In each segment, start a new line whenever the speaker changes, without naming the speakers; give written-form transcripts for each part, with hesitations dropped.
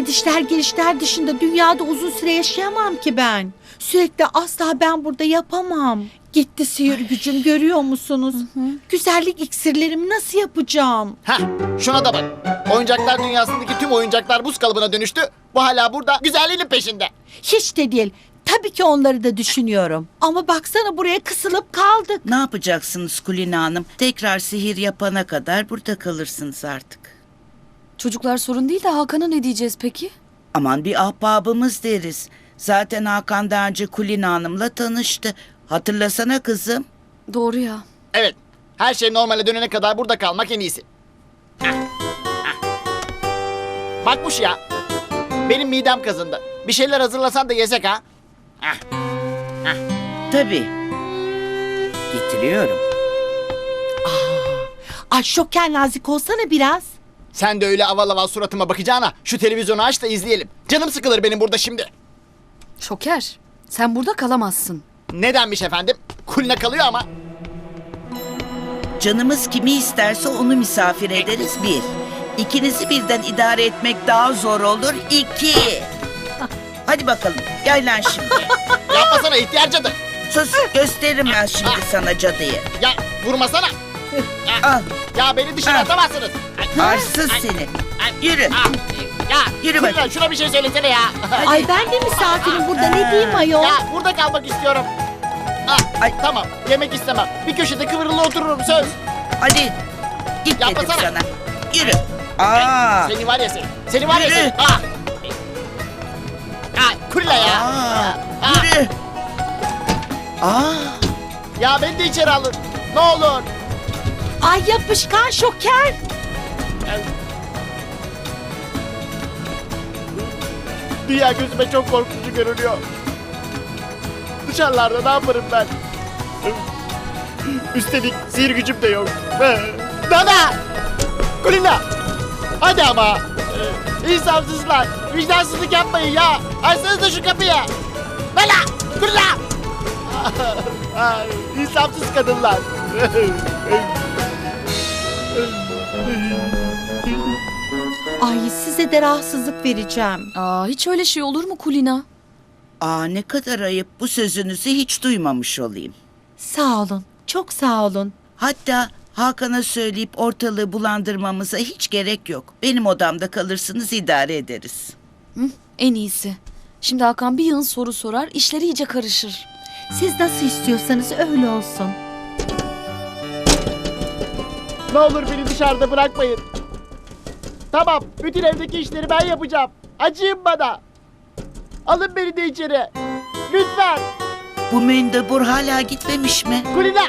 gidişler gelişler dışında dünyada uzun süre yaşayamam ki ben. Sürekli asla ben burada yapamam. Gitti sihir gücüm, görüyor musunuz? Güzellik iksirlerimi nasıl yapacağım?
Hah, şuna da bak. Oyuncaklar dünyasındaki tüm oyuncaklar buz kalıbına dönüştü. Bu hala burada güzelliğinin peşinde.
Hiç de değil. Tabii ki onları da düşünüyorum. Ama baksana, buraya kısılıp kaldık.
Ne yapacaksınız Kulina Hanım? Tekrar sihir yapana kadar burada kalırsınız artık.
Çocuklar sorun değil de Hakan'a ne diyeceğiz peki?
Aman bir ahbabımız deriz. Zaten Hakan daha önce Kulina Hanım'la tanıştı. Hatırlasana kızım.
Doğru ya.
Evet, her şey normale dönene kadar burada kalmak en iyisi. Bakmış ya, benim midem kazındı. Bir şeyler hazırlasan da yesek ha.
Tabii. Getiriyorum.
Ay Şoker, nazik olsana biraz.
Sen de öyle aval aval suratıma bakacağına şu televizyonu aç da izleyelim. Canım sıkılır benim burada şimdi.
Şoker, sen burada kalamazsın.
Nedenmiş efendim? Kulina kalıyor ama.
Canımız kimi isterse onu misafir ederiz bir. İkinizi birden idare etmek daha zor olur iki. Hadi bakalım gel lan şimdi.
Yapmasana ihtiyar cadı.
Sus gösteririm ben şimdi sana cadıyı.
Ya vurmasana.
Al
Ya beni dışarı
Ah.
atamazsınız.
arsız seni. Yürü.
Ya
Yürü
Kulina,
bakayım.
şuna bir şey söylesene ya.
Ay ben de misafirim burada, ne diyeyim ayol?
Ya burada kalmak istiyorum.
Ay.
Tamam, yemek istemem. Bir köşede kıvrılı otururum, söz.
Hadi git dedim
Yapmasana.
sana. Yürü. Aa.
Seni var ya seni. Seni var ya
Yürü.
seni. Kulina ya.
Aa. Yürü. Aa.
Ya beni de içeri alın. Ne olur.
Ay yapışkan Şoker.
Dünya gözüme çok korkutucu görünüyor. Dışarılarda ne yaparım ben? Üstelik sihir gücüm de yok. Nana! Kulina! Hadi ama! İnsafsızlar! Vicdansızlık yapmayın ya! Açsanız da şu kapıyı! Nana! Kulina! İnsafsız kadınlar!
Ay size de rahatsızlık vereceğim.
Aa, hiç öyle şey olur mu Kulina?
Aa ne kadar ayıp, bu sözünüzü hiç duymamış olayım.
Sağ olun, çok sağ olun.
Hatta Hakan'a söyleyip ortalığı bulandırmamıza hiç gerek yok. Benim odamda kalırsınız, idare ederiz.
Hı? En iyisi. Şimdi Hakan bir yığın soru sorar, işleri iyice karışır.
Siz nasıl istiyorsanız öyle olsun.
Ne olur beni dışarıda bırakmayın. Tamam, bütün evdeki işleri ben yapacağım. Acıyın bana. Alın beni de içeri. Lütfen.
Bu mendebur hala gitmemiş mi?
Kulina.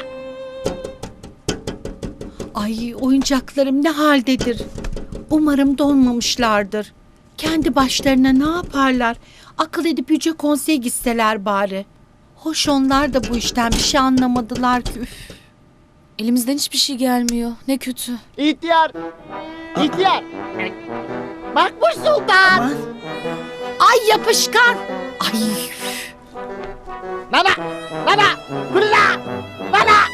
Ay oyuncaklarım ne haldedir? Umarım donmamışlardır. Kendi başlarına ne yaparlar? Akıl edip Yüce Konsey'e gitseler bari. Hoş onlar da bu işten bir şey anlamadılar ki. Üf.
Elimizden hiçbir şey gelmiyor. Ne kötü.
İhtiyar. İhtiyar. Makbuş Sultan.
Aman.
Ay yapışkan. Ay.
Nana. Nana. Kulina. Nana.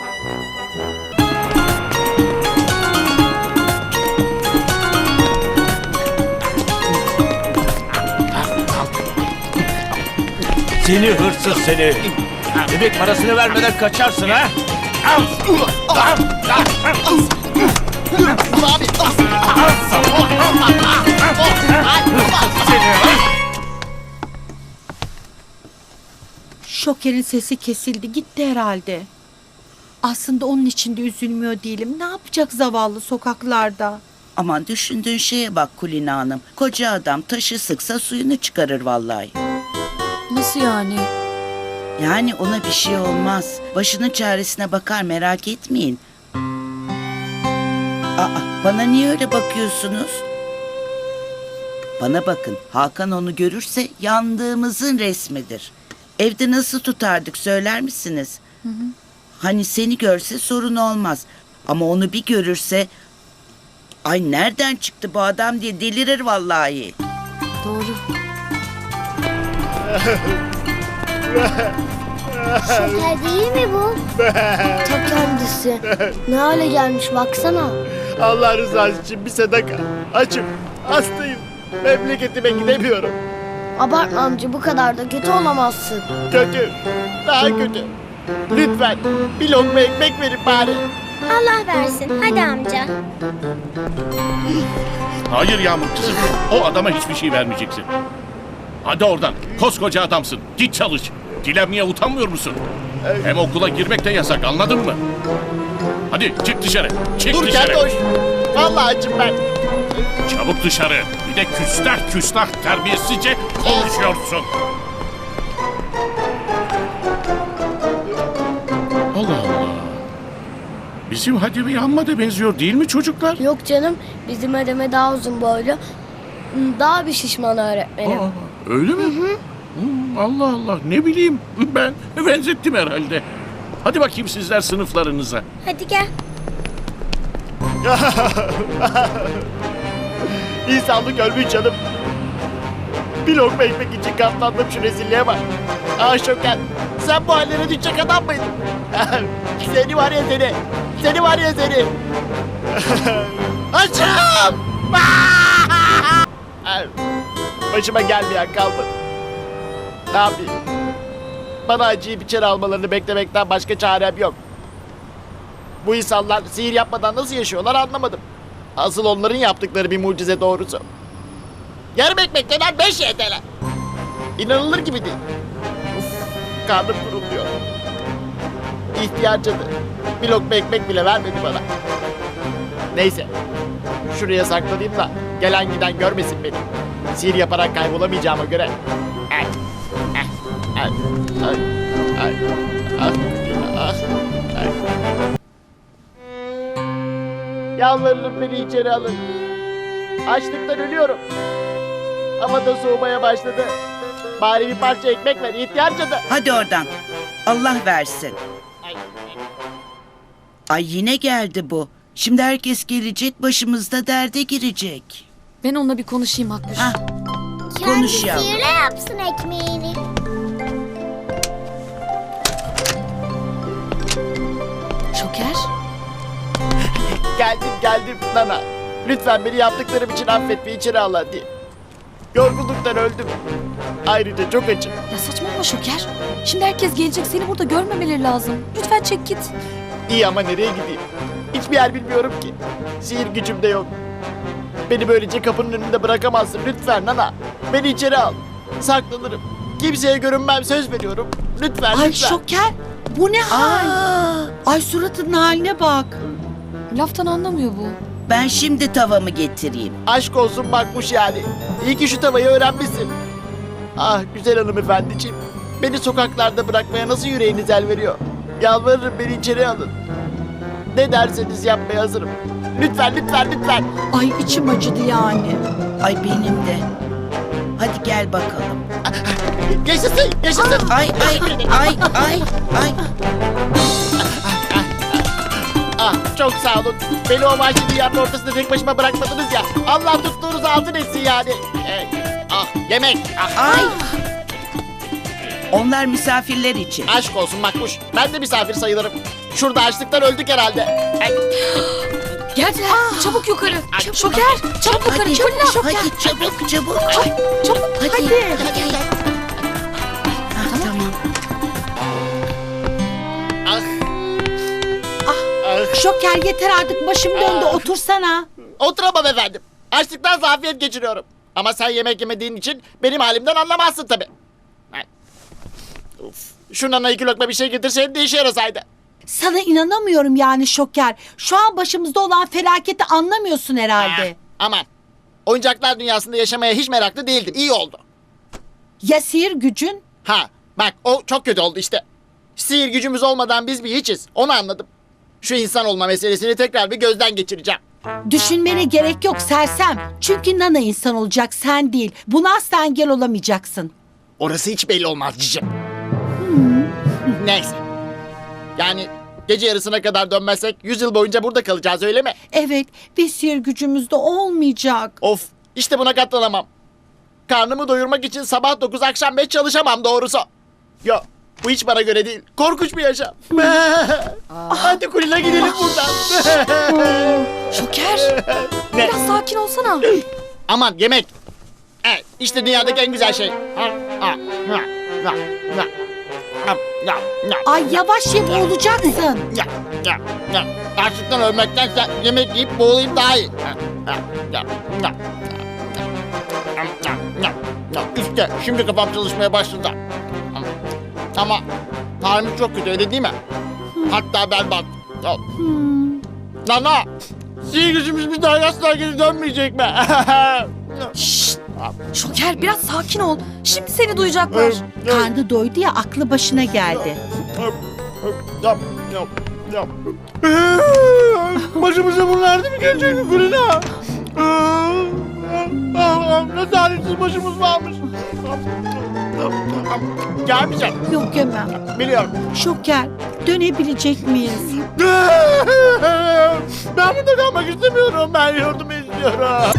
Seni hırsız seni. Bebek parasını vermeden kaçarsın ha? Al.
Abi.
Şoker'in sesi kesildi, gitti herhalde. Aslında onun için de üzülmüyor değilim. Ne yapacak zavallı sokaklarda?
Aman düşündüğün şeye bak Kulina Hanım. Koca adam taşı sıksa suyunu çıkarır vallahi.
Nasıl yani?
Yani ona bir şey olmaz. Başının çaresine bakar, merak etmeyin. Aa, bana niye öyle bakıyorsunuz? Bana bakın, Hakan onu görürse yandığımızın resmidir. Evde nasıl tutardık söyler misiniz? Hani seni görse sorun olmaz. Ama onu bir görürse... Ay nereden çıktı bu adam diye delirir vallahi.
Doğru.
Şoker değil mi bu? Ta kendisi. Ne hale gelmiş baksana.
Allah rızası için bir sadaka. Açım. Hastayım. Memleketime gidemiyorum.
Abartma amca, bu kadar da kötü olamazsın.
Kötü. Daha kötü. Lütfen bir lokma ekmek verin bari.
Allah versin. Hadi amca.
Hayır Yağmur kızım. O adama hiçbir şey vermeyeceksin. Hadi oradan. Koskoca adamsın. Git çalış. Dilenmeye utanmıyor musun? Hem okula girmek de yasak, anladın mı? Hadi çık dışarı. Çık
Dur
dışarı.
Keltoş. Vallahi açım ben.
Çabuk dışarı. Bir de küstah terbiyesizce konuşuyorsun. Allah Allah. Bizim Hadem'e amma da benziyor değil mi çocuklar?
Yok canım, bizim Adem'e daha uzun boylu. Daha bir şişman öğretmenim.
Aa, öyle mi? Allah Allah, ne bileyim, ben benzettim herhalde. Hadi bakayım sizler sınıflarınıza.
Hadi gel.
İnsanlık ölmüş canım. Bir lokma ekmek için katlandım, şu rezilliğe bak. Ah Şoker, sen bu hallere düşecek adam mıydın? Seni var ya seni. Seni var ya seni. Açım! Başıma gelmeyen kalmadı. Ne yapayım? Bana acıyı içeri almalarını beklemekten başka çarem yok. Bu insanlar sihir yapmadan nasıl yaşıyorlar anlamadım. Asıl onların yaptıkları bir mucize doğrusu. Yarım ekmek denen 5 YTL. İnanılır gibi değil. Uf, karnım kuruluyor. İhtiyar cadı bir lokma ekmek bile vermedi bana. Neyse. Şuraya saklanayım da gelen giden görmesin beni. Sihir yaparak kaybolamayacağıma göre. Ay, ay, ay, ay, ay, ay, ay. Yalvarırım, beni içeri alın. Açlıktan ölüyorum. Hava da soğumaya başladı. Bari bir parça ekmek ver, ihtiyar cadı.
Hadi oradan. Allah versin.
Ay,
Ay yine geldi bu. Şimdi herkes gelecek, başımızda derde girecek.
Ben onunla bir konuşayım Makbuş.
Hah, konuş yavrum.
sihirle yapsın ekmeğini.
Şoker.
geldim Nana. Lütfen beni yaptıklarım için affet ve içeri al hadi. Yorgunluktan öldüm. Ayrıca çok açım.
Ya saçmalama Şoker. Şimdi herkes gelecek, seni burada görmemeleri lazım. Lütfen çek git.
İyi ama nereye gideyim? Hiçbir yer bilmiyorum ki. Sihir gücüm de yok. Beni böylece kapının önünde bırakamazsın lütfen Nana. Beni içeri al. Saklanırım. Kimseye görünmem, söz veriyorum. Lütfen
Ay
lütfen.
Şoker, bu ne hal?
Aa,
Ay suratının haline bak.
Laftan anlamıyor bu.
ben şimdi tavamı getireyim.
Aşk olsun bakmış yani. İyi ki şu tavayı öğrenmişsin. Ah güzel hanımefendiciğim. Beni sokaklarda bırakmaya nasıl yüreğiniz el veriyor? Yalvarırım, beni içeri alın. Ne derseniz yapmaya hazırım. Lütfen lütfen lütfen.
Ay içim acıdı yani.
Ay benim de. Hadi gel bakalım.
Yaşasın yaşasın.
Ay ay.
Ah çok sağ olun. Beni o vahşi dünyanın ortasında tek başıma bırakmadınız ya. Allah tuttuğunuzu altın etsin yani. Ah yemek. Ah,
Ay. Onlar misafirler için.
aşk olsun Makbuş. Ben de misafir sayılırım. Şurada açlıktan öldük herhalde. Ay,
Geldiler. Çabuk yukarı. Şoker. Çabuk yukarı.
Hadi,
Kulina. Şoker.
hadi çabuk.
Çabuk.
Hadi. Ah, tamam.
ah. Ah.
Şoker yeter artık, başım döndü, otursana.
Oturamam efendim. Açlıktan zafiyet geçiriyorum. Ama sen yemek yemediğin için benim halimden anlamazsın tabii. Ay. Uf. Şu Nana 2 lokma bir şey getirseydin de işe yarasaydı.
Sana inanamıyorum yani Şoker. Şu an başımızda olan felaketi anlamıyorsun herhalde.
Aman. Oyuncaklar dünyasında yaşamaya hiç meraklı değildim. İyi oldu.
Ya sihir gücün?
Ha bak, o çok kötü oldu işte. Sihir gücümüz olmadan biz bir hiçiz. Onu anladım. Şu insan olma meselesini tekrar bir gözden geçireceğim.
Düşünmene gerek yok sersem. Çünkü Nana insan olacak, sen değil. Buna asla engel olamayacaksın.
Orası hiç belli olmaz cicim. Neyse. Yani gece yarısına kadar dönmezsek 100 yıl boyunca burada kalacağız, öyle mi?
Evet, ve sihir gücümüz de olmayacak.
Of, işte buna katlanamam. Karnımı doyurmak için sabah 9 akşam 5 çalışamam doğrusu. Yo, bu hiç bana göre değil. Korkunç bir yaşam. Hadi Kulina gidelim buradan.
Şoker.
Ne?
Biraz sakin olsana.
Aman yemek. Evet, işte dünyadaki en güzel şey.
Ay yavaş ye boğulacaksın.
Açlıktan ölmektense yemek yiyip boğulayım daha iyi. İşte şimdi kafam çalışmaya başladı. Ama halimiz çok kötü öyle değil mi? Hatta berbat. Nana! Sihir gücümüz bir daha asla geri dönmeyecek mi?
Şşt! Şoker biraz sakin ol. Şimdi seni duyacaklar.
Karnı doydu ya aklı başına geldi.
Başımıza bunlar değil mi gelecek Kulina? Ne talihsiz başımız varmış. Gelmeyecek.
Yok yemem.
Biliyorum.
Şoker dönebilecek miyiz?
Ben burada kalmak istemiyorum. Ben yardım istiyorum.